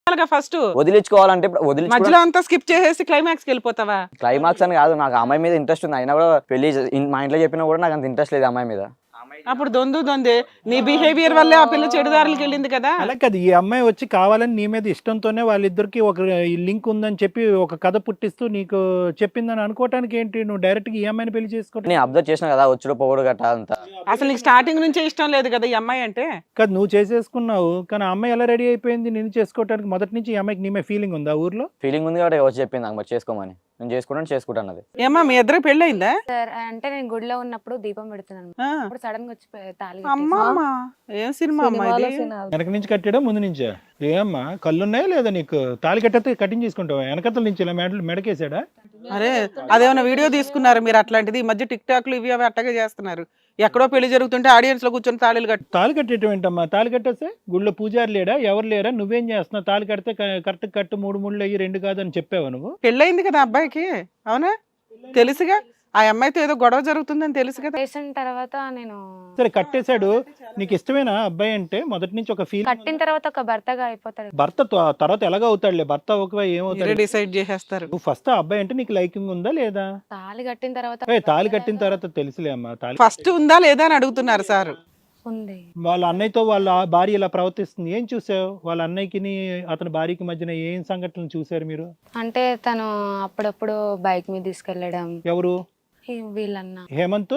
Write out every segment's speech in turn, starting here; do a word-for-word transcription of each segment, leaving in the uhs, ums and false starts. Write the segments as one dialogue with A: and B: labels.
A: First
B: వదిలించుకోవాలంటే వదిలి
A: మధ్యలో అంతా స్కిప్ చేసేసి క్లైమాక్స్ కి వెళ్ళిపోతావా?
B: క్లైమాక్స్ అని కాదు, నాకు అమ్మాయి మీద ఇంట్రెస్ట్ ఉంది. అయినా కూడా పెళ్లి మా ఇంట్లో చెప్పినా కూడా నాకు అంత ఇంట్రెస్ట్ లేదు అమ్మాయి మీద.
A: అప్పుడు దొందు దొందే నీ బిహేవియర్ వల్లే ఆ పిల్ల చెడుదారులకు వెళ్ళింది కదా.
C: అలా కాదు, ఈ అమ్మాయి వచ్చి కావాలని నీ మీద ఇష్టంతోనే వాళ్ళిద్దరికి ఒక లింక్ ఉందని చెప్పి ఒక కథ పుట్టిస్తూ నీకు చెప్పిందని అనుకోవటానికి ఏంటి? నువ్వు డైరెక్ట్ గా ఈ అమ్మాయిని పెళ్లి చేసుకోవడం
B: నేను అబ్జర్వ్ చేసిన కదా, వచ్చుడు పోవడు గట్ట అంతా.
A: అసలు నీకు స్టార్టింగ్ నుంచే ఇష్టం లేదు కదా ఈ అమ్మాయి అంటే.
C: కాదు, నువ్వు చేసేసుకున్నావు కానీ ఆ అమ్మాయి ఎలా రెడీ అయిపోయింది నేను చేసుకోవడానికి? మొదటి నుంచి ఈ అమ్మాయికి నీ మీద ఫీలింగ్ ఉందా ఊర్లో?
B: ఫీలింగ్ ఉంది కాబట్టి వచ్చి చెప్పింది నాకు మరి చేసుకోమని. నేను చేసుకుంటాను చేసుకుంటాను అది.
A: ఏమా మీ ఇద్దరు పెళ్ళి అయిందా?
D: సార్ అంటే నేను గుడిలో ఉన్నప్పుడు దీపం పెడుతున్నాను, అప్పుడు సడన్ గా వచ్చి తాళి
A: అమ్మా ఏం సినిమా అమ్మా ఇది?
C: వెనక నుంచి కట్టాడా ముందు నుంచా? ఏమ్మా కళ్ళున్నాయా లేదా నీకు? తాళి కట్టితే కటింగ్ చేసుకుంటావా? వెనకతల నుంచి ఇలా మెడ మెడకేసాడా?
A: అరే అదేమన్నా వీడియో తీసుకున్నారు మీరు అట్లాంటిది? ఈ మధ్య టిక్ టాక్లు ఇవి అవి అట్టగా చేస్తున్నారు. ఎక్కడో పెళ్లి జరుగుతుంటే ఆడియన్స్ లో కూర్చొని తాళిలు కట్టు.
C: తాళి కట్టేయటం ఏంటమ్మా? తాళి కట్టేస్తే గుళ్ళో పూజారి లేడా ఎవరు లేరా? నువ్వేం చేస్తున్నావు? తాళి కడితే కరెక్ట్ కట్టు, మూడు ముళ్ళు అయ్యి రెండు కాదని చెప్పావా నువ్వు?
A: పెళ్ళయింది కదా అబ్బాయికి, అవునా? తెలుసుగా ఆ అమ్మాయితో ఏదో గొడవ జరుగుతుందని తెలుసు కదా.
D: చేసిన తర్వాత నేను
C: సరే కట్టేశాడు, నీకు ఇష్టమేనా అబ్బాయి అంటే? మొదటి నుంచి ఒక ఫీల్.
D: కట్టిన తర్వాత ఒక భర్తగా అయిపోతాడు.
C: భర్త త- తర్వాత ఎలాగో అవుతాడులే, భర్త ఒక ఏమవుతాడు?
A: డిసైడ్ చేసేస్తారు.
C: నువ్వు ఫస్ట్ ఆ అబ్బాయి అంటే నీకు లైకింగ్ ఉందా లేదా?
D: తాళి కట్టిన తర్వాత
C: ఏ తాళి కట్టిన తర్వాత తెలుసులే అమ్మా. తాళి
A: ఫస్ట్ ఉందా లేదా అని అడుగుతున్నారు సార్.
D: ఉంది.
C: వాళ్ళ అన్నయ్యతో వాళ్ళ భార్య ఇలా ప్రవర్తిస్తుంది, ఏం చూసావు? వాళ్ళ అన్నయ్యకి అతని భార్యకి మధ్యన ఏం సంఘటనలు చూసారు మీరు?
D: అంటే తను అప్పుడప్పుడు బైక్ మీద తీసుకెళ్లడం.
C: ఎవరు?
D: ఈ వీళ్ళన్న
C: హేమంత్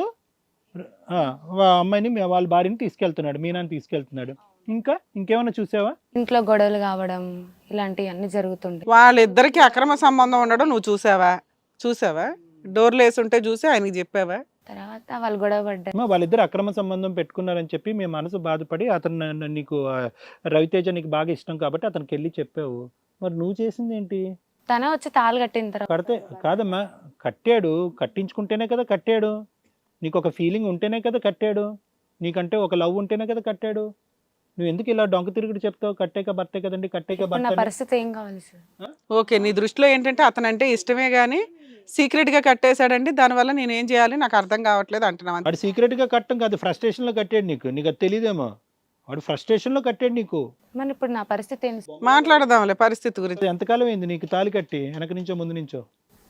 C: ఆ, వా- అమ్మాయిని మీ- వాళ్ళ భార్యని తీసుకెళ్తున్నాడు, మీనాన్ని తీసుకెళ్తున్నాడు. ఇంకా ఇంకేమైనా చూసావా?
D: ఇంట్లో గొడవలు కావడం ఇలాంటివి అన్ని జరుగుతుండే.
A: వాళ్ళిద్దరికి అక్రమ సంబంధం ఉండడం నువ్వు చూసావా? చూసావా? డోర్లు వేసి ఉంటే చూసి ఆయనకి చెప్పావా?
D: తర్వాత వాళ్ళు గొడవ పడ్డారు.
C: అమ్మా, వాళ్ళిద్దరు అక్రమ సంబంధం పెట్టుకున్నారని చెప్పి మీ మనసు బాధపడి అతను నన్ను- నీకు ఆ, రవితేజ నీకు బాగా ఇష్టం కాబట్టి అతనికి వెళ్ళి చెప్పావు. మరి నువ్వు చేసింది ఏంటి?
D: తనే వచ్చి తాళి కట్టిన తర్వాత
C: కడితే కాదమ్మా, కట్టాడు, కట్టించుకుంటేనే కదా కట్టాడు. నీకు ఒక ఫీలింగ్ ఉంటేనే కదా కట్టాడు. నీకంటే ఒక లవ్ ఉంటేనే కదా కట్టాడు. నువ్వు ఎందుకు ఇలా డొంక తిరుగుడు చెప్తావు? కట్టాక భర్తే కదండి, కట్టాక
D: ఇప్పుడు నా
C: భర్త.
D: పరిస్థితి ఏం కావాలి సార్?
A: ఓకే, నీ దృష్టిలో ఏంటంటే అతనంటే ఇష్టమే గానీ సీక్రెట్ గా కట్టేశాడండి, దానివల్ల నేను ఏం చేయాలి నాకు అర్థం కావట్లేదు అంటున్నావు.
C: వాడు సీక్రెట్ గా కట్టం కాదు, ఫ్రస్ట్రేషన్ లో కట్టాడు నీకు. నీకు అది తెలియదేమో, వాడు ఫ్రస్ట్రేషన్ లో కట్టాడు నీకు.
D: మరి ఇప్పుడు నా పరిస్థితి ఏంటి సార్?
A: మాట్లాడదాంలే పరిస్థితి గురించి.
C: ఎంతకాలం అయింది నీకు తాళి కట్టి? వెనక నుంచో ముందు నుంచో?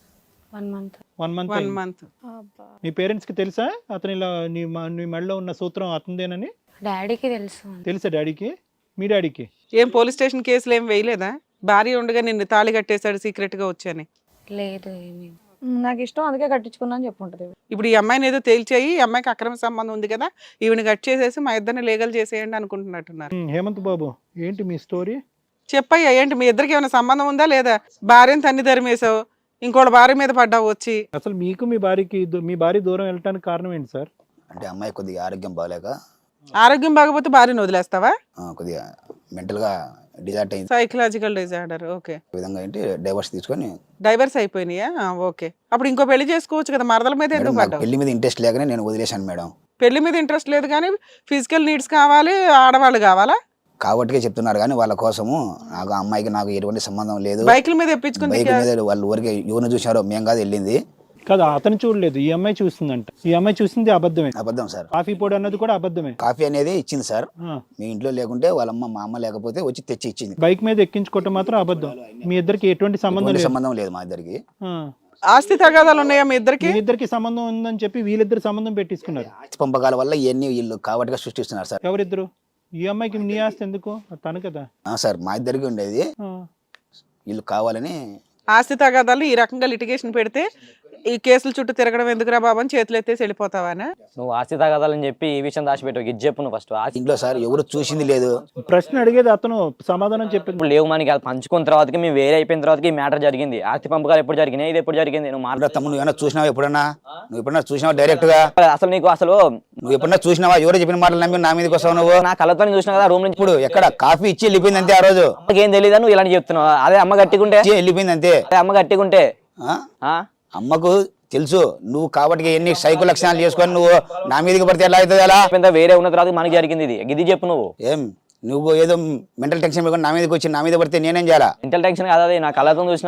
D: One month.
C: One month
A: one month.
C: మీ పేరెంట్స్ కి తెలుసా అతను ఇలా నీ మ- నీ మెడలో ఉన్న సూత్రం అతనిదేనని?
D: డాడీకి తెలుసు.
C: తెలుసా డాడీకి? మీ డాడీకి?
A: ఏం పోలీస్ స్టేషన్ కేసులు ఏం వేయలేదా? భార్య ఉండగా నిన్ను తాళి కట్టేశాడు సీక్రెట్ గా వచ్చాని.
D: లేదు ఏమీ.
E: నాకు ఇష్టం అందుకే కట్టించుకున్నా అని చెప్పుంటది.
A: ఇప్పుడు ఈ అమ్మాయిని ఏదో తేల్చేయి, ఈ అమ్మాయికి అక్రమ సంబంధం ఉంది కదా, ఈవిని కట్ చేసేసి మా ఇద్దరిని లీగల్ చేసేయండి అనుకుంటున్నట్టున్నారు.
C: ఉమ్, హేమంత్ బాబు ఏంటి మీ స్టోరీ?
A: చెప్పయ్యా, ఏంటి మీ ఇద్దరికి ఏమైనా సంబంధం ఉందా లేదా? భార్యను తన్ని ధరిమేశావు, ఇంకోటి భార్య మీద పడ్డావు వచ్చి.
C: అసలు మీకు మీ భార్యకి దూ- మీ భార్య దూరం వెళ్ళటానికి కారణం ఏంటి సార్?
F: అంటే అమ్మాయి కొద్దిగా ఆరోగ్యం బాగాలేక
A: ఆరోగ్యం బాగపోతే భార్యను వదిలేస్తావా?
F: ఆ, కొద్దిగా మెంటల్గా డిజార్ట్ అయింది.
A: Psychological disorder. ఓకే,
F: ఈ విధంగా ఏంటి డైవర్స్ తీసుకొని
A: డైవర్స్ అయిపోయినాయా? ఆ, ఓకే. అప్పుడు ఇంకో పెళ్లి చేసుకోవచ్చు కదా, మరదల మీద
F: మేడం
A: ఎందుకు
F: నాకు
A: పడ్డావు?
F: పెళ్లి మీద ఇంట్రెస్ట్ లేకనే నేను వదిలేశాను మేడం.
A: పెళ్లి మీద ఇంట్రెస్ట్ లేదు కానీ ఫిజికల్ నీడ్స్ కావాలి, ఆడవాళ్ళు కావాలా?
F: కాబట్టికే చెప్తున్నారు కానీ వాళ్ళ కోసము నాకు ఆ అమ్మాయికి నాకు ఎటువంటి సంబంధం లేదు.
A: బైకుల మీద ఎప్పించుకుని
F: బైక్ మీద వాళ్ళు ఊరికే ఎవరిని చూసారో మేము కాదు వెళ్ళింది.
C: కదా అతను చూడలేదు, ఈ అమ్మాయి చూస్తుందంట. ఈ అమ్మాయి చూసింది అబద్ధమే.
F: అబద్ధం సార్.
C: కాఫీ పొడి అన్నది కూడా అబద్ధమే.
F: కాఫీ అనేది ఇచ్చింది సార్.
C: ఆ.
F: మీ ఇంట్లో లేకుంటే వాళ్ళ అమ్మ మా అమ్మ లేకపోతే వచ్చి తెచ్చి ఇచ్చింది.
C: బైక్ మీద ఎక్కించుకోవటం మాత్రం అబద్ధం. మీ ఇద్దరికి ఎటువంటి సంబంధం
F: ఎటువంటి
C: లేదు.
F: సంబంధం లేదు మా ఇద్దరికి.
C: ఆ.
A: ఆస్తి తగాదాలు ఉన్నాయా మీ ఇద్దరికి?
C: మీ ఇద్దరికి సంబంధం ఉందని చెప్పి వీళ్ళిద్దరు సంబంధం పెట్టించుకున్నారు.
F: ఆస్తి పంపకాల వల్ల ఇవన్నీ వీళ్ళు కాబట్టిగా సృష్టిస్తున్నారు సార్.
C: ఎవరిద్దరు? ఈ అమ్మాయికి నీ ఆస్తి ఎందుకు? తను కదా.
F: ఆ, సార్ మా ఇద్దరికి ఉండేది,
C: ఆ.
F: వీళ్ళు కావాలని.
A: ఆస్తి తగాదాలు ఈ రకంగా లిటిగేషన్ పెడితే ఈ కేసుల చుట్టూ తిరగడం ఎందుకురా బాబు అని చేతులు ఎత్తేసి వెళ్ళిపోతావానా?
B: నువ్వు ఆస్తి తగదాలని చెప్పి ఈ విషయం దాచిపెట్టు. ఇది చెప్పు నువ్వు ఫస్ట్. ఆస్తి
F: ఇంట్లో సార్ ఎవరు చూసింది లేదు.
C: ప్రశ్న అడిగేది అతను, సమాధానం చెప్పింది.
B: ఇప్పుడు లేవు మనకి, అది పంచుకున్న తర్వాతకి మేము వేరే అయిపోయిన తర్వాత ఈ మ్యాటర్ జరిగింది. ఆస్తి పంపకాలు ఎప్పుడు జరిగినాయి, ఇది ఎప్పుడు జరిగింది? నువ్వు
F: అలా తమ్ముడు నువ్వు ఏమన్నా చూసినావా ఎప్పుడన్నా? నువ్వు ఎప్పుడన్నా చూసినావా డైరెక్ట్ గా?
B: మాట్లాడు. అసలు నీకు అసలు
F: నువ్వు ఎప్పుడన్నా చూసినావా? ఎవరో చెప్పిన మాటలు నమ్మి నా మీదకి వస్తావు నువ్వు?
B: నా కళ్ళతో చూసినా కదా రూమ్ నుంచి.
F: ఇప్పుడు ఎక్కడ కాఫీ ఇచ్చి వెళ్ళిపోయింది అంతే. ఆ రోజు
B: అమ్మకి ఏం తెలియదా నువ్వు ఇలాంటి చెప్తున్నావు? అదే అమ్మ గట్టికుంటే
F: ఇచ్చి వెళ్ళిపోయింది అంతే.
B: అదే అమ్మ గట్టికుంటే
F: ఆ?
B: ఆ?
F: అమ్మకు తెలుసు నువ్వు కాబట్టి ఎన్ని సైకో లక్షణాలు చేసుకొని నువ్వు నా మీదకి పడితే ఎలా అవుతుంది? అలా
B: ఇంత వేరే ఉన్న తర్వాత మనకి జరిగింది ఇది. ఇది చెప్పు నువ్వు.
F: ఏం నువ్వు ఏదో మెంటల్ టెన్షన్ పెట్టుకొని నా మీదకి వచ్చి నా మీద పడితే నేనేం చేయాలా?
B: ఇంటల్ టెన్షన్ కాదు, అది నా కళ్ళతో చూసిన.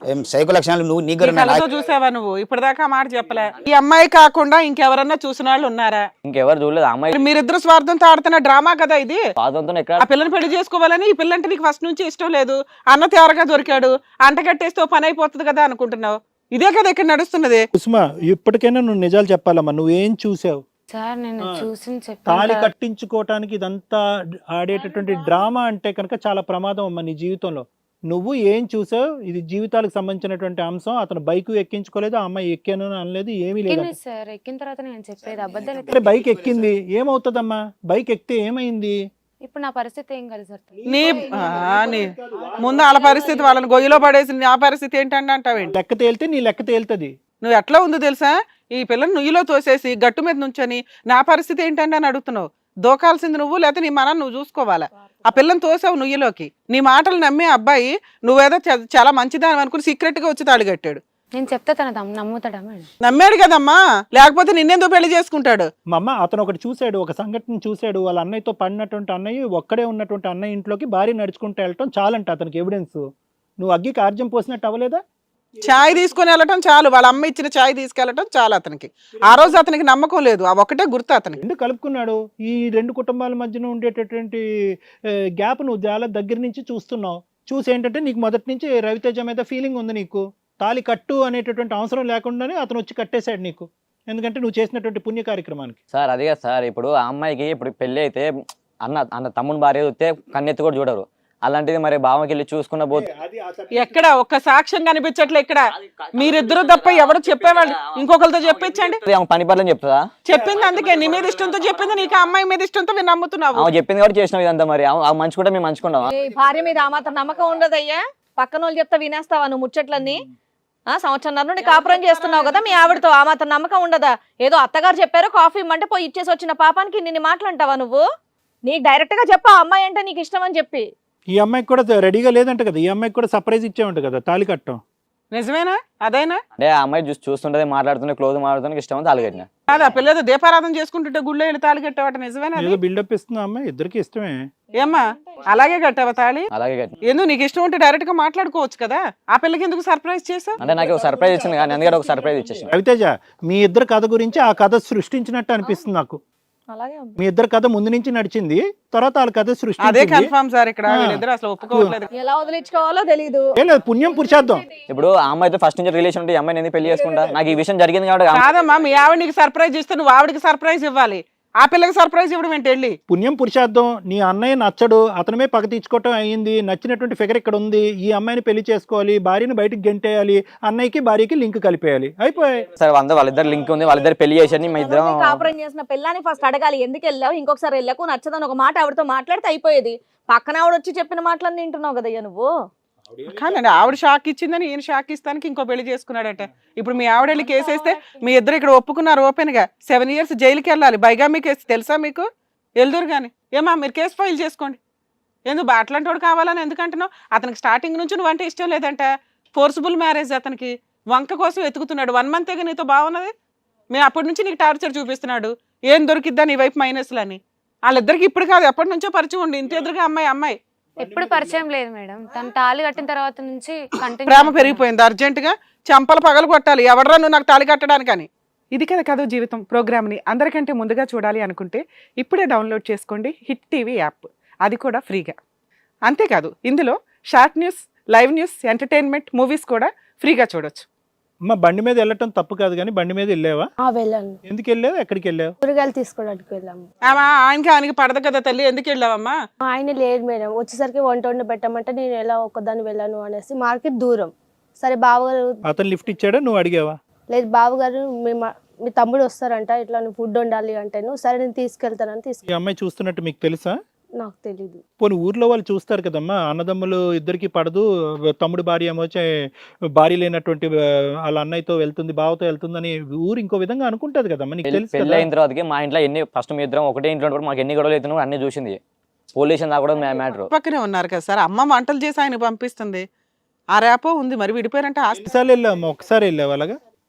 F: ఏం సైకో లక్షణాలు నువ్వు నీకు
A: ఈ కళ్ళతో చూసావా నువ్వు ఇప్పటిదాకా ఆ మాట చెప్పలే. ఈ అమ్మాయి కాకుండా ఇంకెవరన్నా చూసిన వాళ్ళు ఉన్నారా?
B: ఇంకెవరు చూడలేదు. ఆ అమ్మాయి
A: మీరిద్దరు స్వార్థంతో ఆడుతున్న డ్రామా కదా ఇది.
B: స్వాతంత్రం ఎక్కడ
A: ఆ పిల్లని పెళ్లి చేసుకోవాలని, ఈ పిల్లంటే నీకు ఫస్ట్ నుంచి ఇష్టం లేదు, అన్న తేరగా దొరికాడు, అంట కట్టేస్తే ఓ పని అయిపోతుంది కదా అనుకుంటున్నావు. ఇదే కదా ఇక్కడ నడుస్తున్నది.
C: కుసుమ ఇప్పటికైనా నువ్వు నిజాలు చెప్పాలమ్మా, నువ్వేం చూసావు?
D: సార్ నేను చూసి
C: తాళి
D: చెప్పాను.
C: కట్టించుకోవటానికి ఇదంతా ఆడేటటువంటి డ్రామా అంటే కనుక చాలా ప్రమాదం అమ్మా నీ జీవితంలో. నువ్వు ఏం చూసావు? ఇది జీవితాలకు సంబంధించినటువంటి అంశం. అతను బైక్ ఎక్కించుకోలేదు, ఆ అమ్మాయి ఎక్కాను అని అనలేదు, ఏమీ లేదు.
D: ఎక్కింది సార్, ఎక్కిన తర్వాత నేను చెప్పేది అబద్ధాలు
C: అరే బైక్ ఎక్కింది, ఏమవుతుందమ్మా? బైక్ ఎక్కితే ఏమైంది?
D: ఇప్పుడు నా పరిస్థితి ఏం కాదు సార్.
A: నీ ఆ, నీ ముందు వాళ్ళ పరిస్థితి, వాళ్ళని గొయ్యిలో పడేసి నా పరిస్థితి ఏంటంటే అంటావేంటి?
C: లెక్క తేలితే నీ లెక్క తేలుతుంది.
A: నువ్వు ఎట్లా ఉందో తెలుసా? ఈ పిల్లని నుయ్యిలో తోసేసి గట్టు మీద నుంచొని నా పరిస్థితి ఏంటంటే అని అడుగుతున్నావు. దోకాల్సింది నువ్వు, లేకపోతే నీ మనం నువ్వు చూసుకోవాలా? ఆ పిల్లని తోసావు నుయ్యిలోకి. నీ మాటలు నమ్మే అబ్బాయి నువ్వేదో చ- చాలా మంచిదాని అనుకుని సీక్రెట్ గా వచ్చి తాళి కట్టాడు.
D: నేను చెప్తే తన దమ్- నమ్ముతాడా మేడం?
A: నమ్మాడు కదమ్మా, లేకపోతే నిన్నెందుకు పెళ్లి చేసుకుంటాడు?
C: మా అమ్మ అతను ఒకటి చూశాడు, ఒక సంఘటన చూశాడు. వాళ్ళ అన్నయ్యతో పడినటువంటి అన్నయ్య ఒక్కడే ఉన్నటువంటి అన్నయ్య ఇంట్లోకి భార్య నడుచుకుంటూ వెళ్ళటం చాలంట అతనికి ఎవిడెన్స్. నువ్వు అగ్గికి ఆర్జం పోసినట్టు అవ్వలేదా?
A: ఛాయ్ తీసుకొని వెళ్ళటం చాలు, వాళ్ళ అమ్మ ఇచ్చిన ఛాయ్ తీసుకెళ్ళటం చాలు అతనికి. ఆ రోజు అతనికి నమ్మకం లేదు, ఆ ఒక్కటే గుర్తు అతనికి.
C: రెండు కలుపుకున్నాడు. ఈ రెండు కుటుంబాల మధ్యన ఉండేటటువంటి గ్యాప్ నువ్వు చాలా దగ్గర నుంచి చూస్తున్నావు. చూసి ఏంటంటే నీకు మొదటి నుంచి రవితేజ మీద ఫీలింగ్ ఉంది నీకు. తాళి కట్టు అనేటటువంటి అవసరం లేకుండానే అతను వచ్చి కట్టేశాడు నీకు, ఎందుకంటే నువ్వు చేసినటువంటి పుణ్య కార్యక్రమానికి.
B: సార్ అదే కదా సార్, ఇప్పుడు ఆ అమ్మాయికి ఇప్పుడు పెళ్లి అయితే అన్న అన్న తమ్ముని భార్య వస్తే కన్నెత్తి కూడా చూడరు. అలాంటిది మరి బావకి వెళ్ళి చూసుకున్న పోతే
A: ఎక్కడ ఒక్క సాక్ష్యం కనిపించట్లే ఇక్కడ. మీరిద్దరు తప్ప ఎవరు చెప్పేవాళ్ళు, ఇంకొకరితో చెప్పించండి.
B: ఆమె పని పర్లని చెప్తుందా?
A: చెప్పింది అందుకే నీ మీద ఇష్టంతో చెప్పింది, నీకు ఆ అమ్మాయి మీద ఇష్టంతో మీరు నమ్ముతున్నావు.
B: ఆమె చెప్పింది కాబట్టి చేసినావు ఇదంతా. మరి ఆమె మంచుకుంటే మేము మంచుకున్నావా?
E: ఏ భార్య మీద ఆ మాత్రం నమ్మకం ఉండదయ్యా? పక్కన వాళ్ళు చెప్తా వినేస్తావా నువ్వు ముచ్చట్లన్నీ? ఆ సంవత్సరం నుండి కాపురం చేస్తున్నావు కదా మీ ఆవిడతో, ఆ మాత్రం నమ్మకం ఉండదా? ఏదో అత్తగారు చెప్పారు కాఫీ ఇమ్మంటే పోయి ఇచ్చేసి వచ్చిన పాపానికి నిన్ను మాట్లాంటావా నువ్వు? నీకు డైరెక్ట్ గా చెప్పా అమ్మాయి అంటే నీకు ఇష్టం అని చెప్పి.
C: ఈ అమ్మాయికి కూడా రెడీగా లేదంట కదా, ఈ అమ్మాయికి కూడా సర్ప్రైజ్ ఇచ్చేవంట కదా తాళి కట్టడం.
A: నిజమేనా? అదైనా
B: అంటే ఆ అమ్మాయి చూసి చూస్తుంటే మాట్లాడుతుంటే క్లోజ్ మాట్లాడుతుంటే ఇష్టం అని తాళి కట్టిన.
A: కాదు, ఆ పిల్లతో దీపారాధన చేసుకుంటుంటే గుళ్ళో వెళ్ళి తాళి కట్టావట, నిజమేనా?
C: ఏదో బిల్డప్ ఇస్తుంది అమ్మాయి, ఇద్దరికి ఇష్టమే.
A: ఏమ్మా అలాగే కట్టావా తాళి?
B: అలాగే కట్టిన.
A: ఎందుకు నీకు ఇష్టం ఉంటే డైరెక్ట్ గా మాట్లాడుకోవచ్చు కదా, ఆ పిల్లకి ఎందుకు సర్ప్రైజ్ చేసావు?
B: అంటే నాకు ఒక సర్ప్రైజ్ ఇచ్చింది కానీ అందుకే ఒక సర్ప్రైజ్ ఇచ్చేసింది.
C: రవితేజ మీ ఇద్దరు కథ గురించి ఆ కథ సృష్టించినట్టు అనిపిస్తుంది నాకు.
E: అలాగే
C: మీ ఇద్దరు కథ ముందు నుంచి నడిచింది, తర్వాత వాళ్ళ కథ
A: అదే
C: సృష్టి.
A: కన్ఫర్మ్ సార్, ఇక్కడ వీళ్ళిద్దరు అసలు ఒప్పుకోవట్లేదు.
E: ఎలా వదిలించుకోవాలో తెలీదు.
C: పుణ్యం పురుషార్థం.
B: ఇప్పుడు ఆ అమ్మాయితో ఫస్ట్ నుంచి రిలేషన్ ఉంటే ఈ అమ్మాయిని ఎందుకు పెళ్లి చేసుకుంటా? నాకు ఈ విషయం జరిగింది కాబట్టి ఆ-
A: కాదమ్మా, మీ ఆవిడ నీకు సర్ప్రైజ్ ఇస్తే నువ్వు ఆవిడకి సర్ప్రైజ్ ఇవ్వాలి, ఆ పిల్లకి సర్ప్రైజ్ ఇవ్వడం ఏంటి? వెళ్ళి
C: పుణ్యం పురుషార్థం. నీ అన్నయ్య నచ్చడు, అతనమే పగ తీర్చుకోవటం అయ్యింది. నచ్చినటువంటి ఫిగర్ ఇక్కడ ఉంది, ఈ అమ్మాయిని పెళ్లి చేసుకోవాలి, భార్యని బయటికి గెంటేయాలి, అన్నయ్యకి భార్యకి లింక్ కలిపేయాలి, అయిపోయాయి.
B: సరే వంద వాళ్ళిద్దరు లింక్ ఉంది, వాళ్ళిద్దరు పెళ్లి చేసి మా ఇద్దరం
E: ఎవరిని కాపురం చేసిన పిల్లని ఫస్ట్ అడగాలి, ఎందుకు వెళ్ళావు, ఇంకొకసారి వెళ్ళకు, నచ్చదని ఒక మాట ఆవిడతో మాట్లాడితే అయిపోయేది. పక్కన ఆవిడ వచ్చి చెప్పిన మాటలన్నీ వింటున్నావు కదయ్యా నువ్వు.
A: కాదండి, ఆవిడ షాక్ ఇచ్చిందని ఈయన షాక్ ఇస్తానికి ఇంకో పెళ్లి చేసుకున్నాడట. ఇప్పుడు మీ ఆవిడ వెళ్ళి కేసు వేస్తే మీ ఇద్దరు ఇక్కడ ఒప్పుకున్నారు ఓపెన్ గా, సెవెన్ ఇయర్స్ జైలుకి వెళ్ళాలి. బైగామీ కేసు తెలుసా మీకు? వెళ్దురు కానీ ఏమా మీరు కేసు ఫైల్ చేసుకోండి. ఎందుకు అట్లాంటి వాడు కావాలని ఎందుకంటున్నావు? అతనికి స్టార్టింగ్ నుంచి నువ్వు అంటే ఇష్టం లేదంట, ఫోర్సిబుల్ మ్యారేజ్ అతనికి, వంక కోసం వెతుకుతున్నాడు. వన్ మంత్ నీతో బాగున్నది, మేము అప్పటి నుంచి నీకు టార్చర్ చూపిస్తున్నాడు, ఏం దొరికిద్దా నీ వైపు మైనస్లు అని. వాళ్ళిద్దరికి ఇప్పుడు కాదు ఎప్పటి నుంచో పరిచయం ఉండి, ఇంటి ఎదురుగా అమ్మాయి అమ్మాయి
D: ఎప్పుడు పరిచయం లేదు మేడం. తను తాళి కట్టిన తర్వాత నుంచి కంటిన్యూ
A: ప్రేమ పెరిగిపోయింది. అర్జెంట్ గా చంపలు పగలు కొట్టాలి, ఎవడరా నువ్వు నాకు తాళి కట్టడానికని. ఇది కదా కథ జీవితం ప్రోగ్రామ్ని అందరికంటే ముందుగా చూడాలి అనుకుంటే ఇప్పుడే డౌన్లోడ్ చేసుకోండి హిట్ టీవీ యాప్, అది కూడా ఫ్రీగా. అంతేకాదు ఇందులో short news, live news, entertainment, movies కూడా ఫ్రీగా చూడొచ్చు.
C: అమ్మ బండి మీద వెళ్ళటం తప్పు కాదు కానీ బండి మీద వెళ్ళావా?
G: ఆ వెళ్ళాను,
C: ఎందుకు వెళ్ళావు, ఎక్కడికి వెళ్ళావు?
G: కూరగాయలు తీసుకోవడానికి వెళ్ళాము.
A: ఆమా ఆయనకి ఆయనకి పడదు కదా తల్లి, ఎందుకు వెళ్ళావమ్మా?
G: ఆయన లేడు మేడం, వచ్చేసరికి వంట వండి పెట్టమంటే నేను ఎలా ఒక్కదాన్ని వెళ్ళాను అనేసి, మార్కెట్ దూరం. సరే బావగారు,
C: అతను లిఫ్ట్ ఇచ్చాడా, నువ్వు అడిగావా?
G: లేదు బావగారు మీ మా- మీ తమ్ముడు వస్తారంట, ఇట్లా నువ్వు ఫుడ్ వండాలి అంటేను, సరే నేను తీసుకెళ్తానని
C: ఈ
G: తీసుకు
C: అమ్మాయి చూస్తున్నట్టు మీకు తెలుసా?
G: నాకు తెలీదు.
C: పోనీ ఊర్లో వాళ్ళు చూస్తారు కదమ్మా, అన్నదమ్ములు ఇద్దరికి పడదు, తమ్ముడు భార్య ఏమో వచ్చే భార్య లేనటువంటి ఆ, వాళ్ళ అన్నయ్యతో వెళ్తుంది, బావతో వెళ్తుందని ఊరు ఇంకో విధంగా అనుకుంటది కదమ్మా, నీకు తెలుసు
B: పెళ్లి
C: కదా?
B: అయిన తర్వాతకి మా ఇంట్లో ఎన్ని ఫస్ట్ మీ ఇద్దరం ఒకటే ఇంట్లో ఉన్నప్పుడు మాకు ఎన్ని గొడవలు అవుతున్నావు అన్ని చూసింది. పోలీసు దాకా కూడా మ్యాటర్.
A: పక్కనే ఉన్నారు కదా సార్, అమ్మ వంటలు చేసి ఆయన పంపిస్తుంది, ఆ రేపో ఉంది మరి, విడిపోయారంటే ఆస్తి.
C: ఎన్నిసార్లు వెళ్ళావమ్మా? ఒకసారి వెళ్ళావు అలాగా?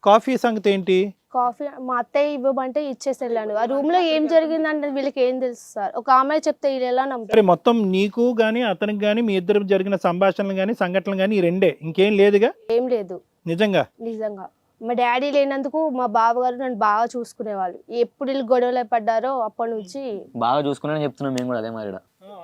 C: కాఫీ సంగతి ఏంటి?
G: కాఫీ మా అత్తయ్య ఇవ్వమంటే ఇచ్చేసి వెళ్ళాను. ఆ రూమ్ లో ఏం జరిగిందంటే వీళ్ళకి ఏం తెలుసు సార్. ఒక అమ్మాయి చెప్తే వీళ్ళు ఎలా నమ్ముతారు?
C: సరే, మొత్తం నీకు గానీ అతనికి గానీ మీ ఇద్దరు జరిగిన సంభాషణలు గానీ సంఘటనలు గానీ ఈ రెండే, ఇంకేం లేదుగా?
G: ఏం లేదు
C: నిజంగా
G: నిజంగా. మా డాడీ లేనందుకు మా బావగారు నన్ను బాగా చూసుకునేవాళ్ళు. ఎప్పుడు వీళ్ళు గొడవలు పడ్డారో అప్పటి నుంచి
B: బాగా చూసుకున్నానని చెప్తున్నాం మేము కూడా అదే మరి.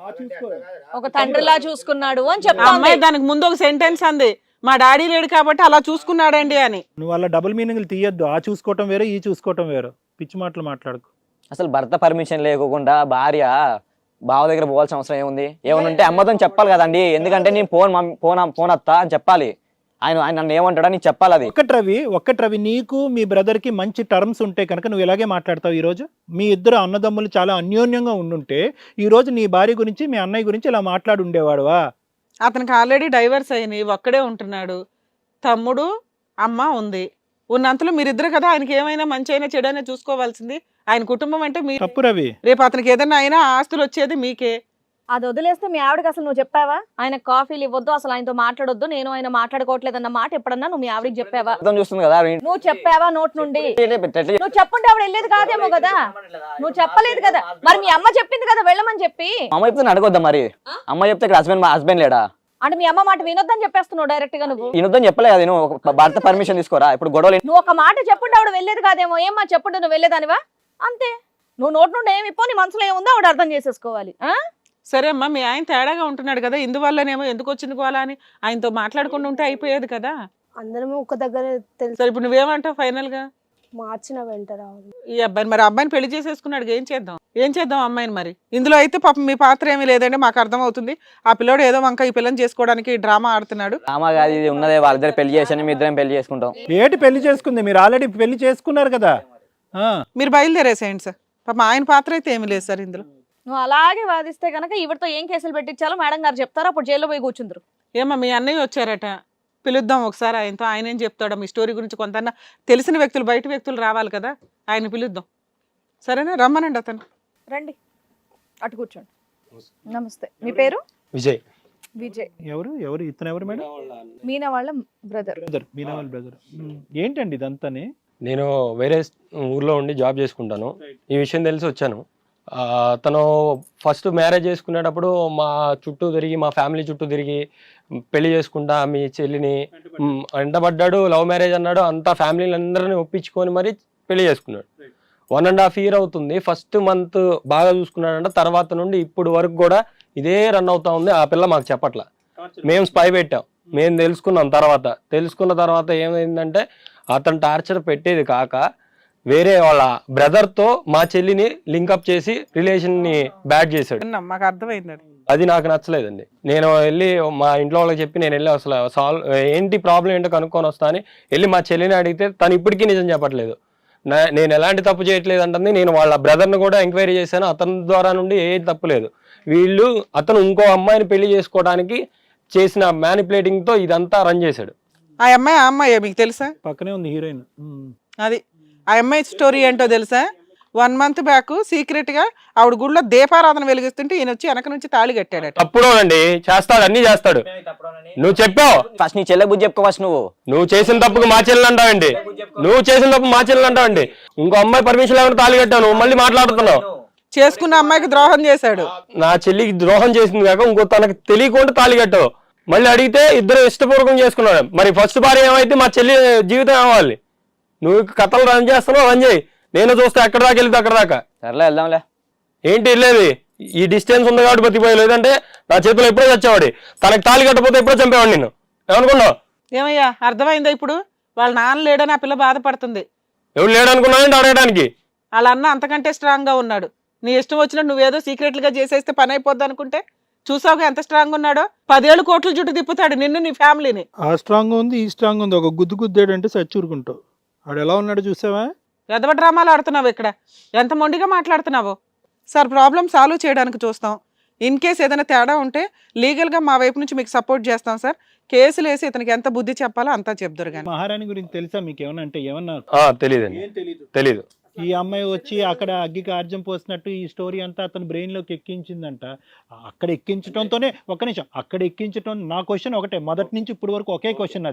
E: ఒక తండ్రిలా చూసుకున్నాడు అని
A: ఆ
E: చెప్తా
A: అమ్మాయి దానికి ముందు ఒక సెంటెన్స్ అంది, మా డాడీ లేడు కాబట్టి అలా చూసుకున్నాడండి అని.
C: నువ్వు అలా డబుల్ మీనింగ్లు తీయొద్దు. ఆ చూసుకోవటం వేరు, ఈ చూసుకోవటం వేరు. పిచ్చి మాటలు మాట్లాడుకో.
B: అసలు భర్త పర్మిషన్ లేకుండా భార్య బావ దగ్గర పోవాల్సిన అవసరం ఏముంది? ఏమన్నా ఉంటే అమ్మతో చెప్పాలి కదండి. ఎందుకంటే నేను ఫోన్ ఫోన్ ఫోన్ వస్తా అని చెప్పాలి. ఆయన ఆయన నన్ను ఏమంటాడా నీకు చెప్పాలి. అది
C: ఒక్కటి రవి, ఒక్కటి రవి, నీకు మీ బ్రదర్ కి మంచి టర్మ్స్ ఉంటే కనుక నువ్వు ఇలాగే మాట్లాడతావు. ఈ రోజు మీ ఇద్దరు అన్నదమ్ములు చాలా అన్యోన్యంగా ఉండుంటే ఈ రోజు నీ భార్య గురించి మీ అన్నయ్య గురించి ఇలా మాట్లాడి ఉండేవాడువా?
A: అతనికి ఆల్రెడీ డైవర్స్ అయినాయి, ఒక్కడే ఉంటున్నాడు. తమ్ముడు అమ్మ ఉంది. ఉన్నంతలో మీరిద్దరు కదా ఆయనకి ఏమైనా మంచి అయినా చెడు అయినా చూసుకోవాల్సింది. ఆయన కుటుంబం అంటే మీ
C: తప్పు రవి.
A: రేపు అతనికి ఏదైనా అయినా ఆస్తులు వచ్చేది మీకే.
E: అది వదిలేస్తే మీ ఆవిడకి అసలు నువ్వు చెప్పావా ఆయన కాఫీలు ఇవ్వద్దు, అసలు ఆయనతో మాట్లాడొద్దు, నేను ఆయన మాట్లాడుకోవట్లేదన్న మాట ఎప్పుడన్నా నువ్వు మీ ఆవిడకి చెప్పావా?
B: అర్థం చూస్తుంది కదా.
E: నువ్వు చెప్పావా నోట్ నుండి? నువ్వు చెప్పుంటే ఆవిడ వెళ్ళేది కాదేమో కదా. నువ్వు చెప్పలేదు కదా. మరి మీ అమ్మ చెప్పింది కదా వెళ్ళమని చెప్పి.
B: అమ్మ చెప్తే అడగొద్దా మరి? అమ్మ చెప్తే ఇక్కడ హస్బెండ్ హస్బెండ్ లేడా?
E: అంటే మీ అమ్మ మాట వినొద్దని చెప్పేస్తున్నావు డైరెక్ట్ గా. నువ్వు
B: వినొద్దని చెప్పలేదు కదా. నువ్వు భర్త పర్మిషన్ తీసుకోరా. ఇప్పుడు గొడవలు
E: నువ్వు ఒక మాట చెప్పుంటే ఆవిడ వెళ్ళేది కాదేమో. ఏమ్మా చెప్పుంటే నువ్వు వెళ్ళేదానివా? అంతే. నువ్వు నోట్ నుండి ఏమి ఇప్పో, నీ మనసులో ఏముందో ఆవిడ అర్థం చేసేసుకోవాలి. ఆ
A: సరే అమ్మా, మీ ఆయన తేడాగా ఉంటున్నాడు కదా, ఇందువల్లనేమో ఎందుకు వచ్చింది కోలా అని ఆయనతో మాట్లాడుకుంటూ ఉంటే అయిపోయేది కదా.
G: అందరం ఒక దగ్గర తెలుసు.
A: సరే ఇప్పుడు నువ్వేమంటావు ఫైనల్ గా?
G: మార్చిన వెంట రావాలి
A: ఈ అబ్బాయిని, మరి అబ్బాయిని పెళ్లి చేసేసుకున్నాడు, ఏం చేద్దాం ఏం చేద్దాం అమ్మాయిని మరి? ఇందులో అయితే పాపం మీ పాత్ర ఏమీ లేదండి, మాకు అర్థం అవుతుంది. ఆ పిల్లోడు ఏదో వంక ఈ పిల్లని చేసుకోవడానికి డ్రామా ఆడుతున్నాడు.
B: డ్రామా కాదు ఇది, ఉన్నదే వాళ్ళిద్దరు పెళ్లి చేసి మీ ఇద్దరం పెళ్లి చేసుకుంటాం.
C: ఏటి పెళ్లి చేసుకుంది? మీరు ఆల్రెడీ పెళ్లి చేసుకున్నారు కదా. ఆ
A: మీరు బయలుదేరేసేయండి సార్. పాపం ఆయన పాత్ర అయితే ఏమీ లేదు సార్ ఇందులో.
E: నువ్వు అలాగే వాదిస్తే కనుక ఈవిడతో ఏం కేసులు పెట్టించాలో మేడం గారు చెప్తారు. అప్పుడు జైల్లో పోయి కూర్చుందరు.
A: ఏమా మీ అన్నయ్య వచ్చారట, పిలుద్దాం ఒకసారి ఆయనతో. ఆయన ఏం చెప్తాడో మీ స్టోరీ గురించి. కొంత తెలిసిన వ్యక్తులు, బయట వ్యక్తులు రావాలి కదా, ఆయన పిలుద్దాం. సరేనా, రమ్మనండి అతను.
E: రండి, అటు కూర్చోండి. నమస్తే, మీ పేరు?
H: విజయ్.
E: విజయ్.
C: ఎవరు ఎవరు ఇతను ఎవరు మేడం?
E: మీనా వాళ్ళ బ్రదర్.
C: బ్రదర్, మీనా వాళ్ళ బ్రదర్. ఏంటండి ఇదంతానే?
H: నేను వేరే ఊర్లో ఉండి జాబ్ చేసుకుంటాను. ఈ విషయం తెలిసి వచ్చాను. ఆ, తను ఫస్ట్ మ్యారేజ్ చేసుకునేటప్పుడు మా చుట్టూ తిరిగి, మా ఫ్యామిలీ చుట్టూ తిరిగి పెళ్లి చేసుకుంటా మీ చెల్లిని మ్, వెంటబడ్డాడు. లవ్ మ్యారేజ్ అన్నాడు. అంతా ఫ్యామిలీని అందరిని ఒప్పించుకొని మరి పెళ్లి చేసుకున్నాడు. వన్ అండ్ హాఫ్ ఇయర్ అవుతుంది. ఫస్ట్ మంత్ బాగా చూసుకున్నాడంట. తర్వాత నుండి ఇప్పుడు వరకు కూడా ఇదే రన్ అవుతా ఉంది. ఆ పిల్ల మాకు చెప్పట్లా. మేము స్పై పెట్టాం, మేము తెలుసుకున్నాం. తర్వాత తెలుసుకున్న తర్వాత ఏమైందంటే అతను టార్చర్ పెట్టేది కాక వేరే వాళ్ళ బ్రదర్ తో మా చెల్లిని లింకప్ చేసి రిలేషన్ ని బ్యాడ్ చేశాడు.
A: విన్నాం, మాకు అర్థమైంది అది.
H: అది నాకు నచ్చలేదండి. నేను వెళ్ళి మా ఇంట్లో వాళ్ళకి చెప్పి నేను వెళ్ళి అసలు సాల్వ్ ఏంటి ప్రాబ్లం ఏంటో కనుక్కొని వస్తా అని వెళ్ళి మా చెల్లిని అడిగితే తను ఇప్పటికీ నిజం చెప్పట్లేదు. నేను ఎలాంటి తప్పు చేయట్లేదు అంటుంది. నేను వాళ్ళ బ్రదర్ని కూడా ఎంక్వైరీ చేశాను. అతని ద్వారా నుండి ఏ తప్పు లేదు. వీళ్ళు అతను ఇంకో అమ్మాయిని పెళ్లి చేసుకోవడానికి చేసిన మ్యానిపులేటింగ్ తో ఇదంతా రన్ చేశాడు.
A: ఆ అమ్మాయి ఆ అమ్మాయి మీకు తెలుసా?
C: పక్కనే ఉంది హీరోయిన్.
A: అది ఆ అమ్మాయి స్టోరీ ఏంటో తెలుసా? వన్ మంత్ బ్యాక్ సీక్రెట్ గా ఆవిడ గుడిలో దీపారాధన వెలిగిస్తుంటే ఈయన వచ్చి వెనక నుంచి తాళి కట్టాడట.
H: తప్పుడోనండి, చేస్తాడు, అన్ని చేస్తాడు. నువ్వు చెప్పావు
B: ఫస్ట్ నీ చెల్లె బుద్ధి చెప్పుకో. ఫస్ట్ నువ్వు
H: నువ్వు చేసిన తప్పుకు మా చెల్లెలు అంటావండి. నువ్వు చేసిన తప్పు మా చెల్లెలు అంటావండి. ఇంకో అమ్మాయి పర్మిషన్ లేకుండా తాళి కట్టావు, నువ్వు మళ్ళీ మాట్లాడుతున్నావు.
A: చేసుకున్న అమ్మాయికి ద్రోహం చేశాడు.
H: నా చెల్లికి ద్రోహం చేసింది కాక ఇంకో తనకు తెలియకుండా తాళి కట్టావు. మళ్ళీ అడిగితే ఇద్దరు ఇష్టపూర్వకం చేసుకున్నాడు. మరి ఫస్ట్ భార్య ఏమైతే మా చెల్లి జీవితం ఏమవ్వాలి? నువ్వు కథలు రన్ చేస్తున్నావు, రన్ చేయి. నేను చూస్తే ఎక్కడ దాకా వెళ్తే అక్కడ దాకా.
B: సర్లే వెళ్దాంలే.
H: ఏంటి వెళ్ళేది? ఈ డిస్టెన్స్ ఉంది కాబట్టి బతికిపోయి, లేదంటే నా చేతిలో ఎప్పుడో చచ్చేవాడి. తనకి తాళి కట్టకపోతే ఎప్పుడో చంపేవాడు నిన్ను. ఏమనుకున్నావు?
A: ఏమయ్యా అర్థమైందా ఇప్పుడు? వాళ్ళ నాన్న లేడని ఆ పిల్ల బాధపడుతుంది.
H: ఎవరు లేడనుకున్నానంటే అడగడానికి.
A: వాళ్ళ అన్న అంతకంటే స్ట్రాంగ్ గా ఉన్నాడు. నీ ఇష్టం వచ్చినట్టు నువ్వేదో సీక్రెట్లుగా చేసేస్తే పని అయిపోద్ది అనుకుంటే చూసావుగా ఎంత స్ట్రాంగ్ ఉన్నాడో. పదేళ్ళు కోట్లు చుట్టూ తిప్పుతాడు నిన్ను, నీ ఫ్యామిలీని.
C: ఆ స్ట్రాంగ్ ఉంది, ఈ స్ట్రాంగ్ ఉంది. ఒక గుద్దు గుద్దాడు అంటే సచ్చూరుకుంటావు. ఆడు ఎలా ఉన్నాడు చూసావా?
A: ఎదవ డ్రామాలు ఆడుతున్నావు ఇక్కడ. ఎంత మొండిగా మాట్లాడుతున్నావు సార్. ప్రాబ్లం సాల్వ్ చేయడానికి చూస్తాం. ఇన్ కేస్ ఏదైనా తేడా ఉంటే లీగల్గా మా వైపు నుంచి మీకు సపోర్ట్ చేస్తాం సార్. కేసులు వేసి ఇతనికి ఎంత బుద్ధి చెప్పాలో అంతా చెప్తారు. కానీ
C: మహారాణి గురించి తెలుసా మీకు ఏమన్నా? అంటే ఏమన్నా
H: తెలియదండి, తెలీదు.
C: ఈ అమ్మాయి వచ్చి అక్కడ అగ్గికి ఆర్జం పోసినట్టు ఈ స్టోరీ అంతా అతను బ్రెయిన్ లోకి ఎక్కించిందంట. అక్కడ ఎక్కించడంతోనే ఒక్క నిమిషం, అక్కడ ఎక్కించడం. నా క్వశ్చన్ ఒకటే, మొదటి నుంచి ఇప్పుడు వరకు ఒకే క్వశ్చన్ అది.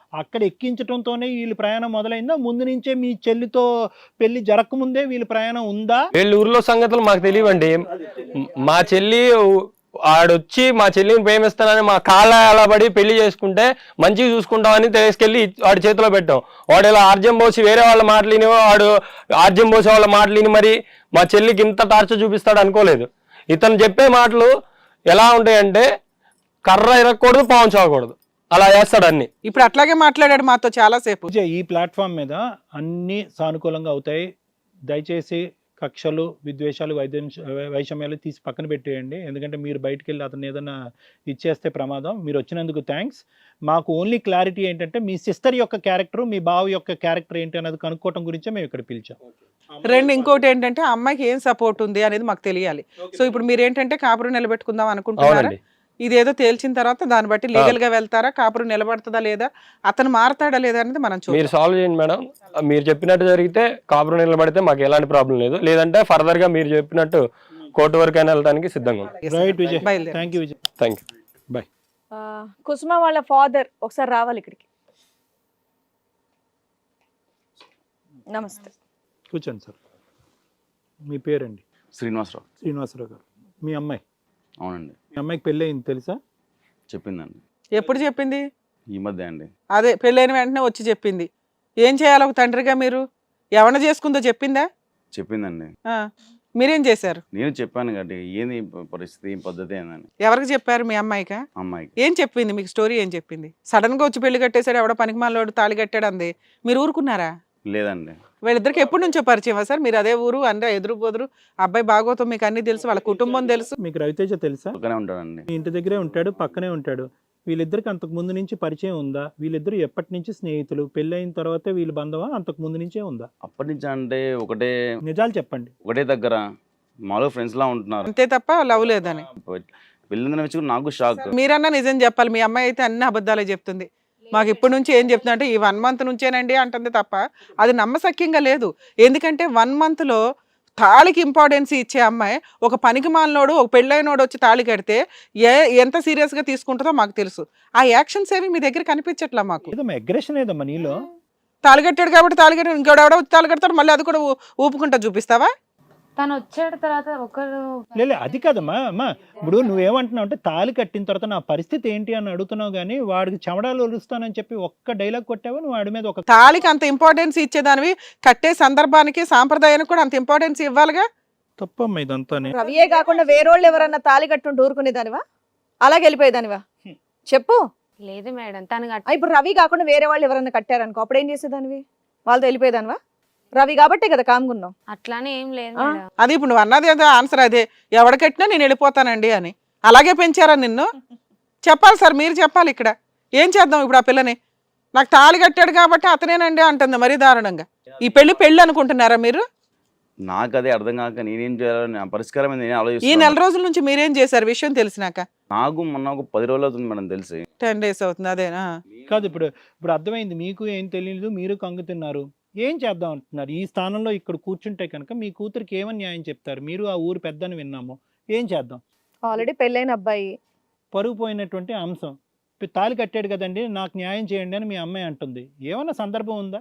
C: అక్కడ ఎక్కించడంతోనే వీళ్ళ ప్రయాణం మొదలైందా, ముందు నుంచే మీ చెల్లితో పెళ్లి జరగకముందే వీళ్ళ ప్రయాణం ఉందా?
H: వీళ్ళ ఊర్లో సంగతులు మాకు తెలియవండి. మా చెల్లి ఆడొచ్చి మా చెల్లిని ప్రేమిస్తానని మా కాళ్ళ అలా పడి పెళ్లి చేసుకుంటే మంచిగా చూసుకుంటామని తీసుకెళ్లి వాడి చేతిలో పెట్టాం. వాడు ఇలా ఆర్జం పోసి వేరే వాళ్ళ మాటలిని వాడు ఆర్జం పోసే వాళ్ళ మాటలిని మరి మా చెల్లికి ఇంత టార్చర్ చూపిస్తాడు అనుకోలేదు. ఇతను చెప్పే మాటలు ఎలా ఉంటాయంటే కర్ర ఇరగకూడదు, పాము చావకూడదు, అలా చేస్తాడు అన్ని.
A: ఇప్పుడు అట్లాగే మాట్లాడాడు మాతో చాలా సేపు.
C: పూజ, ఈ ప్లాట్ఫామ్ మీద అన్ని సానుకూలంగా అవుతాయి. దయచేసి కక్షలు, విద్వేషాలు, వైద్య వైషమ్యాలు తీసి పక్కన పెట్టేయండి. ఎందుకంటే మీరు బయటికి వెళ్ళి అతను ఏదైనా ఇచ్చేస్తే ప్రమాదం. మీరు వచ్చినందుకు థ్యాంక్స్. మాకు ఓన్లీ క్లారిటీ ఏంటంటే మీ సిస్టర్ యొక్క క్యారెక్టర్, మీ బావ యొక్క క్యారెక్టర్ ఏంటి అనేది కనుక్కోవటం గురించే మేము ఇక్కడ పిలిచాం.
A: రెండు ఇంకోటి ఏంటంటే ఆ అమ్మాయికి ఏం సపోర్ట్ ఉంది అనేది మాకు తెలియాలి. సో ఇప్పుడు మీరు ఏంటంటే కాపురం నిలబెట్టుకుందాం అనుకుంటున్నారా?
H: అవునండి.
A: ఇదేదో తేల్చిన తర్వాత దాన్ని బట్టి లీగల్ గా వెళ్తారా, కాపురం నిలబడుతుందా లేదా, అతను మారతాడా లేదా అనేది మనం
H: మీరు
A: చూద్దాం.
H: సాల్వ్ చేయండి మేడం. మీరు చెప్పినట్టు జరిగితే కాపురం నిలబడితే మాకు ఎలాంటి ప్రాబ్లం లేదు. లేదంటే ఫర్దర్ గా మీరు చెప్పినట్టు కోర్టు వరకు అయినా వెళ్ళడానికి సిద్ధంగా ఉన్నాం.
C: రైట్ విజయ్,
A: బయలుదేరు.
C: Thank you Vijay,
H: thank you.
C: Bye.
E: ఆ, కుసుమ వాళ్ళ ఫాదర్ ఒకసారి రావాలి ఇక్కడికి. నమస్తే.
C: కూర్చోండి సార్. మీ పేరండి?
I: శ్రీనివాసరావు.
C: శ్రీనివాసరావు గారు. మీ అమ్మాయి?
I: అవునండి.
C: మీ అమ్మాయికి పెళ్ళి అయింది తెలుసా?
I: చెప్పిందండి.
A: ఎప్పుడు చెప్పింది?
I: ఈ మధ్య అండి.
A: అదే పెళ్ళైన వెంటనే వచ్చి చెప్పింది. ఏం చేయాలి ఒక తండ్రిగా మీరు? ఎవరిని చేసుకుందో చెప్పిందా?
I: చెప్పిందండి.
A: ఆ, మీరేం చేశారు?
I: నేను చెప్పాను కాబట్టి ఏంది పరిస్థితి, ఏం పద్ధతి ఏందని
A: ఎవరికి చెప్పారు? మీ అమ్మాయికా?
I: అమ్మాయికి.
A: ఏం చెప్పింది మీకు? స్టోరీ ఏం చెప్పింది? సడన్ గా వచ్చి పెళ్లి కట్టేశాడు, ఎవడో పనికిమాలోడు తాళి కట్టాడు అంది. మీరు ఊరుకున్నారా?
I: లేదండి.
A: వీళ్ళిద్దరికి ఎప్పటి నుంచో పరిచయమా సార్? మీరు అదే ఊరు, అంటే ఎదురు బొదురు, అబ్బాయి బాగోతం మీకు అన్ని తెలుసు, వాళ్ళ కుటుంబం తెలుసు.
C: మీకు రవితేజ తెలుసా?
I: పక్కనే ఉంటాడండి.
C: మీ ఇంటి దగ్గరే ఉంటాడు, పక్కనే ఉంటాడు. వీళ్ళిద్దరికి అంతకు ముందు నుంచి పరిచయం ఉందా? వీళ్ళిద్దరు ఎప్పటి నుంచి స్నేహితులు? పెళ్ళైన తర్వాతే వీళ్ళ బంధమా, అంతకు ముందు నుంచే ఉందా?
I: అప్పటి నుంచి అంటే ఒకటే
C: నిజాలు చెప్పండి.
I: ఒకటే దగ్గర మామూలుగా ఫ్రెండ్స్ లా ఉంటున్నారు.
A: అంతే తప్ప లవ్ లేదని.
I: వెళ్ళిందని వచ్చి నాకు షాక్.
A: మీరన్నా నిజం చెప్పాలి. మీ అమ్మాయి అయితే అన్ని అబద్ధాలే చెప్తుంది. మాకు ఇప్పటి నుంచి ఏం చెప్తున్నా అంటే ఈ వన్ మంత్ నుంచేనండి అంటుంది తప్ప అది నమ్మశక్యంగా లేదు. ఎందుకంటే వన్ మంత్ లో తాళికి ఇంపార్టెన్స్ ఇచ్చే అమ్మాయి ఒక పనికి మాలినోడు, ఒక పెళ్ళైనోడు వచ్చి తాళి కడితే ఏ ఎంత సీరియస్ గా తీసుకుంటుందో మాకు తెలుసు. ఆ యాక్షన్స్ ఏవి మీ దగ్గర కనిపించట్లా మాకు.
C: ఏదమ్మా అగ్రెషన్ ఏదమ్మా నీలో?
A: తాళి కట్టాడు కాబట్టి తాళి కట్టాడు, ఇంకోటి ఎవడో వచ్చి తాళి కడతాడు, మళ్ళీ అది కూడా ఊ- ఊపుకుంటా చూపిస్తావా?
D: తను వచ్చాడు తర్వాత ఒకరు
C: లేదు అది కాదమ్మా. అమ్మా ఇప్పుడు నువ్వేమంటున్నావు అంటే తాళి కట్టిన తర్వాత నా పరిస్థితి ఏంటి అని అడుగుతున్నావు, కానీ వాడికి చెమడాలు ఒలుస్తానని చెప్పి ఒక్క డైలాగ్ కొట్టావు నువ్వు వాడి మీద. ఒక
A: తాళికి అంత ఇంపార్టెన్స్ ఇచ్చేదానివి కట్టే సందర్భానికి సాంప్రదాయానికి కూడా అంత ఇంపార్టెన్స్ ఇవ్వాలిగా.
C: తప్పమ్మా ఇదంతా.
E: రవియే కాకుండా వేరోళ్ళు ఎవరన్నా తాళి కట్టుంటే ఊరుకునేదానివా? అలాగే వెళ్ళిపోయేదానివా? చెప్పు.
D: లేదు మేడం, తను
E: ఆ, ఇప్పుడు రవి కాకుండా వేరే వాళ్ళు ఎవరన్నా కట్టారనుకో అప్పుడు ఏం చేసేదానివి? వాళ్ళతో వెళ్ళిపోయేదానివా? రవి కాబట్టే కదా కామ్గున్నావు.
D: అట్లానే ఏం లేదు
E: ఆ?
D: మేడం.
A: అది ఇప్పుడు నువ్వు అన్నది ఏదో ఆన్సర్ అదే, ఎవడ కట్టినా నేను వెళ్ళిపోతానండి అని. అలాగే పెంచారా నిన్ను? చెప్పాలి సార్, మీరు చెప్పాలి ఇక్కడ. ఏం చేద్దాం ఇప్పుడు ఆ పిల్లని? నాకు తాళి కట్టాడు కాబట్టి అతనేనండి అంటుంది మరీ దారుణంగా. ఈ పెళ్లి పెళ్లి అనుకుంటున్నారా మీరు?
I: నాకు అదే అర్థం కాక నేనేం చేయాలని నా పరిష్కారం ఏంది నేను
A: ఈ నెల
I: ఆలోచిస్తున్నాను.
A: రోజుల నుంచి మీరేం చేశారు విషయం తెలిసినాక?
I: నాకు మొన్న ఒక పది రోజులు అవుతుంది మేడం తెలిసి.
A: టెన్ డేస్ అవుతుంది అదేనా?
C: కాదు ఇప్పుడు ఇప్పుడు అర్థమైంది. మీకు ఏం తెలియదు, మీరు కంగుతున్నారు. ఏం చేద్దాం అంటున్నారు? ఈ స్థానంలో ఇక్కడ కూర్చుంటే కనుక మీ కూతురికి ఏమని న్యాయం చెప్తారు? మీరు ఆ ఊరు పెద్దని విన్నాము. ఏం చేద్దాం?
E: ఆల్రెడీ పెళ్ళైన అబ్బాయి,
C: పరుగు పోయినటువంటి అంశం. ఇప్పుడు తాళి కట్టాడు కదండి, నాకు న్యాయం చేయండి అని మీ అమ్మాయి అంటుంది. ఏమన్నా సందర్భం ఉందా?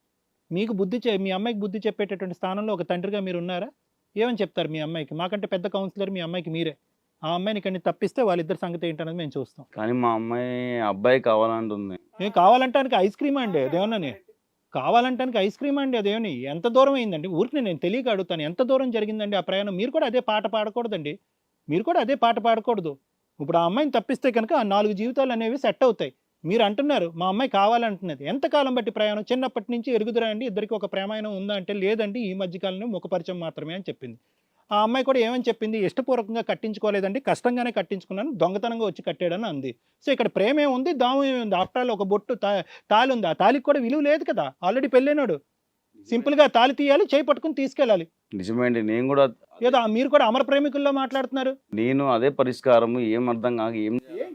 C: మీకు బుద్ధి చె మీ అమ్మాయికి బుద్ధి చెప్పేటటువంటి స్థానంలో ఒక తండ్రిగా మీరు ఉన్నారా? ఏమని చెప్తారు మీ అమ్మాయికి? మాకంటే పెద్ద కౌన్సిలర్ మీ అమ్మాయికి మీరే. ఆ అమ్మాయిని ఇక్కడిని తప్పిస్తే వాళ్ళిద్దరి సంగతి ఏంటనేది మేము చూస్తాం.
I: కానీ మా అమ్మాయి అబ్బాయి కావాలంటుంది.
C: ఏం కావాలంటానికి ఐస్ క్రీమ్ అండి అదేమన్నా? కావాలంటానికి ఐస్ క్రీమ్ అండి అదేమని? ఎంత దూరం అయిందండి? ఊరికి నేను తెలియక అడుగుతాను, ఎంత దూరం జరిగిందండి ఆ ప్రయాణం? మీరు కూడా అదే పాట పాడకూడదండి. మీరు కూడా అదే పాట పాడకూడదు. ఇప్పుడు ఆ అమ్మాయిని తప్పిస్తే కనుక ఆ నాలుగు జీవితాలు అనేవి సెట్ అవుతాయి. మీరు అంటున్నారు మా అమ్మాయి కావాలంటున్నది. ఎంతకాలం బట్టి ప్రయాణం? చిన్నప్పటి నుంచి ఎరుగుదురా అండి ఇద్దరికి ఒక ప్రేమాయణం ఉందా అంటే లేదండి ఈ మధ్యకాలంలో ముఖపరిచయం మాత్రమే అని చెప్పింది. ఆ అమ్మాయి కూడా ఏమని చెప్పింది? ఇష్టపూర్వకంగా కట్టించుకోలేదండి, కష్టంగానే కట్టించుకున్నాను, దొంగతనంగా వచ్చి కట్టాడని అంది. సో ఇక్కడ ప్రేమ ఏముంది, దాము ఏముంది? ఆఫ్టర్ ఆల్ ఒక బొట్టు తా తాళి ఉంది. ఆ తాళికి కూడా విలువ లేదు కదా, ఆల్రెడీ పెళ్ళైనాడు. సింపుల్గా తాళి తీయాలి, చేయి పట్టుకుని తీసుకెళ్ళాలి.
I: నిజమేంటి, నేను కూడా
C: ఏదో మీరు కూడా అమర ప్రేమికుల్లో మాట్లాడుతున్నారు.
I: నేను అదే పరిష్కారం ఏం అర్థం కాక ఏం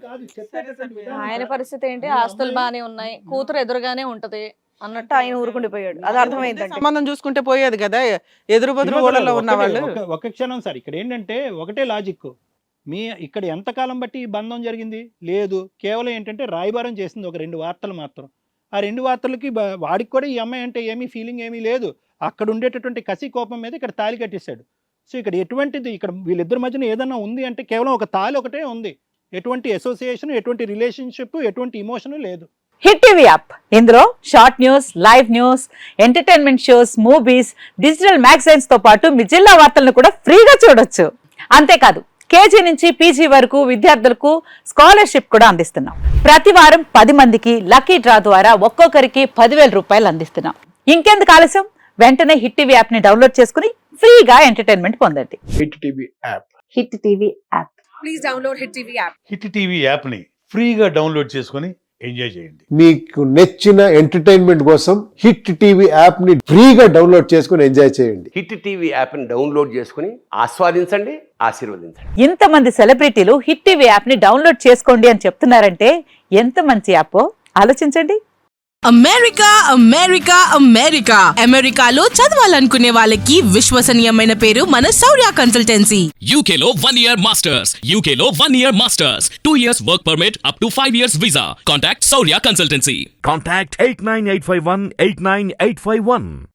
E: ఆయన పరిస్థితి ఏంటి? ఆస్తులు బాగానే ఉన్నాయి, కూతురు ఎదురుగానే ఉంటది అన్నట్టు ఆయన ఊరుకుండిపోయాడు. అది అర్థమైందండి.
A: సంబంధం చూసుకుంటే పోయేది కదా, ఎదురు బదురు ఊళ్ళలో ఉన్న వాళ్ళు.
C: ఒక- ఒక క్షణం సార్, ఇక్కడ ఏంటంటే ఒకటే లాజిక్. మీ ఇక్కడ ఎంతకాలం బట్టి ఈ బంధం జరిగింది? లేదు, కేవలం ఏంటంటే రాయబారం చేసింది ఒక రెండు వార్తలు మాత్రం. ఆ రెండు వార్తలకి బ- వాడికి కూడా ఈ అమ్మాయి అంటే ఏమీ ఫీలింగ్ ఏమీ లేదు. అక్కడ ఉండేటటువంటి కసి కోపం మీద ఇక్కడ తాళి కట్టేశాడు. సో ఇక్కడ ఎటువంటిది ఇక్కడ వీళ్ళిద్దరి మధ్యన ఏదన్నా ఉంది అంటే కేవలం ఒక తాళి ఒకటే ఉంది. ఎటువంటి అసోసియేషన్, ఎటువంటి రిలేషన్షిప్, ఎటువంటి ఇమోషన్ లేదు.
J: హిట్ టీవీ యాప్ ఇందులో short news, live news, entertainment shows, movies, digital magazines తో పాటు మీ జిల్లా వార్తలను కూడా ఫ్రీగా చూడొచ్చు. అంతేకాదు కేజీ నుంచి పీజీ వరకు విద్యార్థులకు స్కాలర్షిప్ కూడా అందిస్తున్నాం. ప్రతి వారం పది మందికి లక్కీ డ్రా ద్వారా ఒక్కొక్కరికి పదివేల రూపాయలు అందిస్తున్నాం. ఇంకెందుకు ఆలస్యం, వెంటనే హిట్ టీవీ యాప్ ని డౌన్లోడ్ చేసుకుని ఫ్రీగా ఎంటర్టైన్మెంట్ పొందండి.
K: Hit TV app
J: hit TV app
D: please download hit TV app.
K: Hit TV యాప్ని ఫ్రీగా డౌన్లోడ్ చేసుకొని ఎంజాయ్ చేయండి.
L: మీకు నచ్చిన ఎంటర్టైన్మెంట్ కోసం హిట్ టీవీ యాప్ ని ఫ్రీగా డౌన్లోడ్ చేసుకుని ఎంజాయ్ చేయండి.
M: హిట్ టీవీ యాప్ని డౌన్లోడ్ చేసుకుని ఆస్వాదించండి, ఆశీర్వదించండి.
J: ఇంతమంది సెలబ్రిటీలు హిట్ టీవీ యాప్ ని డౌన్లోడ్ చేసుకోండి అని చెప్తున్నారంటే ఎంత మంచి యాప్ ఆలోచించండి.
N: అమెరికా అమెరికా అమెరికా అమెరికాలో చదవాలనుకునే వాళ్ళకి విశ్వసనీయమైన పేరు మన శౌర్య కన్సల్టెన్సీ.
O: యూకేలో వన్ ఇయర్ మాస్టర్స్ యూకేలో one year masters two years work permit up to five years visa. Contact Shaurya consultancy.
P: Contact eight nine eight five one eight nine eight five one.